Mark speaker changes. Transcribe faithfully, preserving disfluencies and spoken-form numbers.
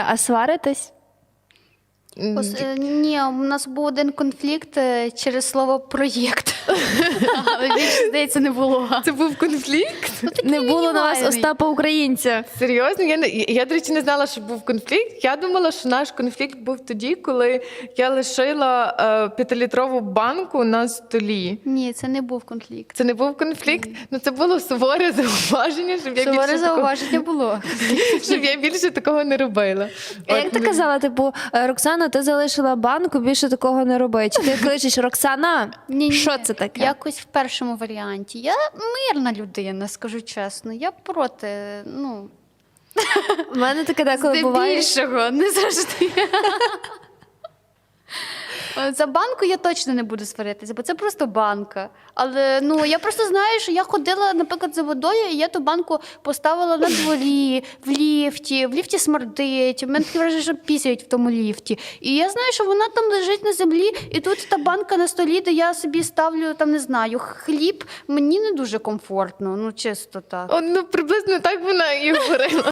Speaker 1: А сваритесь?
Speaker 2: Ос- е, Ні, у нас був один конфлікт е, через слово проєкт. Але більше, здається, не було.
Speaker 3: Це був конфлікт?
Speaker 1: Не було на вас
Speaker 2: мінімальний.
Speaker 1: Остапа Українця.
Speaker 3: Серйозно? Я, не- я, до речі, не знала, що був конфлікт. Я думала, що наш конфлікт був тоді, коли я лишила е, п'ятилітрову банку на столі.
Speaker 2: Ні, це не був конфлікт.
Speaker 3: Це не був конфлікт, ну це було суворе зауваження, щоб я,
Speaker 2: Суворе
Speaker 3: більше такого,
Speaker 2: зауваження було.
Speaker 3: щоб я більше такого не робила.
Speaker 1: А як ти казала, типу, «Е, Роксана, ти залишила банку, більше такого не роби. Чи ти кличеш Роксана?
Speaker 2: Ні-ні.
Speaker 1: Що це таке?
Speaker 2: Якось в першому варіанті. Я мирна людина, скажу чесно. Я проти, ну,
Speaker 1: У мене таке деколи буває.
Speaker 2: здебільшого, не завжди. За банку я точно не буду сваритися, бо це просто банка. Але ну я просто знаю, що я ходила, наприклад, за водою, і я ту банку поставила на дворі, в ліфті, в ліфті смердить. У мене таке враження, що пісяють в тому ліфті. І я знаю, що вона там лежить на землі, і тут та банка на столі, де я собі ставлю, там не знаю, хліб. Мені не дуже комфортно, ну чисто так.
Speaker 3: О, ну приблизно так вона і говорила.